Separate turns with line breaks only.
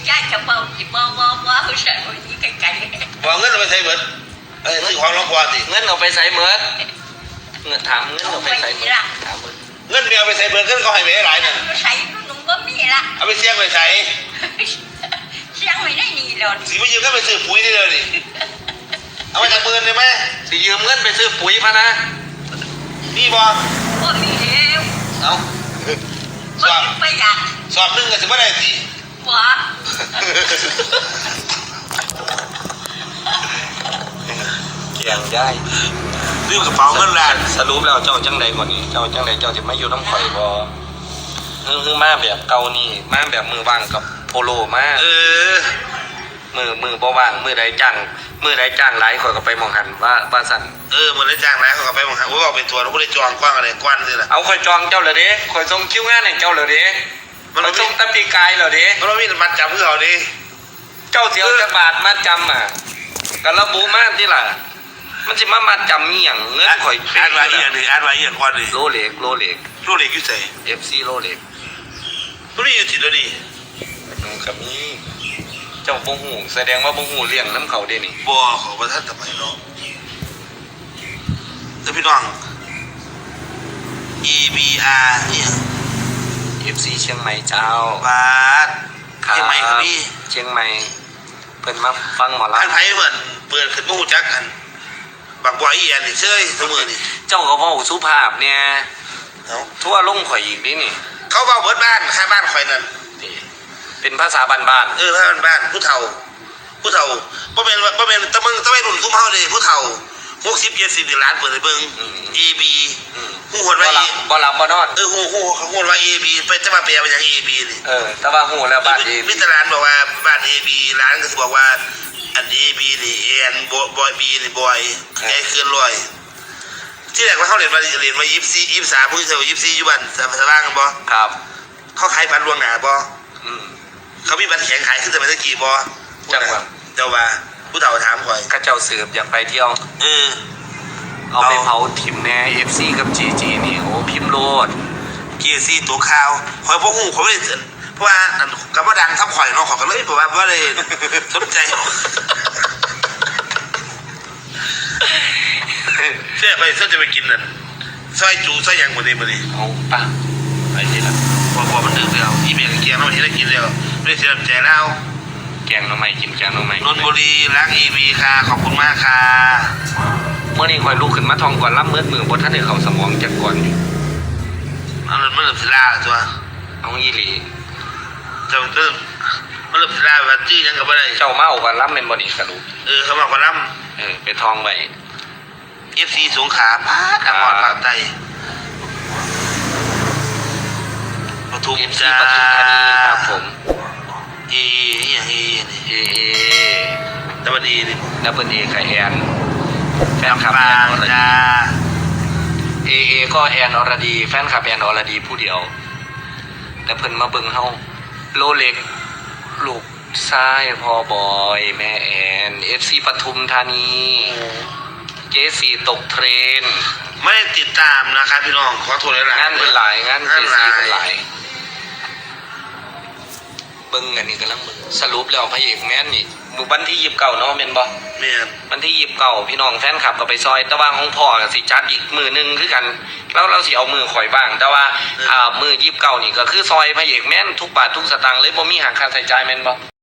ย่าจะบอกจีบ่เขาเสร็จวันนี้ไกลๆ
บอกเงินเอาไปใช้เบิดซื้อของร้องกว่าสิ
เงินเอาไปใส่เมิดเงินถามเงินเอาไปใส่เมิดถามเมิด
เงินเมียเอาไปใช้เบิดเงินเขาให้ไปหลายน่ะ
ใส่หนุ่มก็มีละ
เอาไปเสี่ยงไปใช้
เสียงไม่ได้ดีเลย
สิไปยืมเงินไปซื้อปุ๋ยได้เลยนี่เอามาจากเบิร์นได้ไหม
สิยืมเงินไปซื้อปุ๋ยพะนะ
นี่บ่
ก็มีแล้ว
เอา
สอบไปอยาก
สอบนึงก็สิบ่ได้สิ
บ่
เกียงย้าย
ลืมกระเป๋าเงินล้าน
สรุปแล้วเจ้าจังใดก่อนนี่เจ้าจังใดเจ้าจะมาอยู่น้ำข่อยบ่คือมาแบบเก่านี่มาแบบมือว่างกับโพโลมามือบ่ว่างมือใดจ้างหลายข่อยก็ไปมองหันว่าสั่น
มือได้จ้างแล้วเขาก็ไปมองหาว่าเอาเป็นตัวเราไม่ได้จองกว้างอะไรกว้านเลยล่ะ
เอาข่อยจองเจ้าเลยเด้ข่อยส่งคิวงานให้เจ้าเลยเด้มันส่งตะปีกายเลยเด้
มันไม่มีมัดจำเพื่อเขาดิ
เจ้าเสียวจะบาทมาจำอ่ะกันระบุมาที่ล่ะมันจะมาจำนี่อย่างเงินข่อย
อ่านไว้อีกหนึ่งอ่านไว้อีกกว่าดิ
โลเล็ก
อยู่ใส่
FC โลเล็ก
ตัวนี้อยู่ที่ตัวนี้
ครับนี่เจ้าบ่หูแสดงว่าบ่หูเลี้ยงน้ำเขาเด้นี่
บ่เขาประทัดทำไมเนาะแล้วพี่น้อง EBR เนี่ย
FC เชียงใหม่เจ้า
บาทเชียงใหม่ครับพี่
เชียงใหม่เพิ่นมาฟังหมอลำ
อันไผเหมือนเปิดขึ้นมาหูจักกันบักบอยอีอันนี่เชยเสมอนี่
เจ้าก็เว้าสุภาพเนี่ยทั่วลงข่อยอีกนี่นี่
เขาเว้าเบิดบ้านข้างบ้านข่อยนั่น
เป็นภาษาบ้าน
ภาษาบ้านผู้เฒ่าบ่แม่นตะมึงตะไม่รุ่นคุ้มเฮาเด้ผู้เฒ่า60-70ล้านเปิดให้เบิ่ง AB ฮู้ฮอดว่า
บ่หลับบ่นอน
ฮู้ฮู้ว่า AB ไปจะมาแปลว่าหยัง AB นี่
แต่ว่าฮู้แล้วบ้าน AB
มิตรร้านบอกว่าบ้าน AB ร้านก็สิบอกว่าอัน AB นี่แอนบอย B นี่บอยไอ้เคลื่อนลอยที่แรกว่าเฮาเรียนมา24 23ผู้เฒ่า24อยู่บ้านสว่างกันบ่
ครับ
เขาขายบัตรล่วงหน้าบ่เขามีบัตรแข็งขายขึ้นแต่ไม่ได้กี่บ่
จังหวะ
เจ้าว่าผู้เฒ่าถามข่อย
ข้าเจ้าสืบอยากไปเที่ยวเอาไปเผาถิ่มแน่ FC กับ GG นี่โอ้พิมพ์โลด
GC ตัวข่าวข่อยบ่ฮู้ข่อยบ่ได้เพราะว่าก็บ่ดังทับข่อยเนาะข่อยก็เลยเพราะว่าบ่ได้สนใจเสียไปซะจะไปกินนั่นซอยจูซอยหยังบ่ได้มื้อนี้
เอาป่ะไปที่ละ
บ่มันดึกแล้วอีเมลเกียงเราเห็นได้กินแล้วไม่ได้เสียใจแล้ว
แกงน้ำใหม่กินแกงน้ำใหม่
นนบุรีรักEVค่ะขอบคุณมากค่ะ
เมื่อนี้คอยลุกขึ้นมาทองก่อนรับมือบ่ท่านได้เข้าสมองจากก่อนอยู่
มันเริ่มสิลาตัว
เอาอีหลี
เจ้ามันเริ่มสิลาว่าจี้ยังก็บ่ได้
เจ้าเมาก่อนรับแม่นบ่นี่สรุป
เขามาก่อนรับ
ไปทองไว้
FC สงขลาป้าตะกอนภาคใต้ปทุมจ้า
ปทุมธานีครับผม
ดับเบิลอีนี่
ดับเบิลเอไข่แอนแฟนคลับแอนอรดีก็แอนอรดีแฟนคลับแอนอรดีผู้เดียวแต่เพิ่นมาเบิ่งเฮาโลเล็กลูกชายพ่อบอยแม่แอน FC ปทุมธานีเจสีตกเทรน
ไม่ได้ติดตามนะครับพี่น้องขอโทษหลาย
งานเป็นหลายงานเจสีเป็นหลายเบิ่งอันนี้กำลังเบิ่งสรุปแล้วพระเอกแม่นนี่วันที่29เนาะแม่นบ่
แม่น
วันที่29พี่น้องแฟนคลับก็ไปซอยแต่ว่าของพ่อก็สิจัดอีกมื้อนึงคือกันแล้วเราสิเอามือข่อยบ้างแต่ว่ามื้อ29นี่ก็คือซอยพระเอกแม่นทุกบาททุกสตางค์เลยบ่มีหักค่าใช้จ่ายแม่นบ่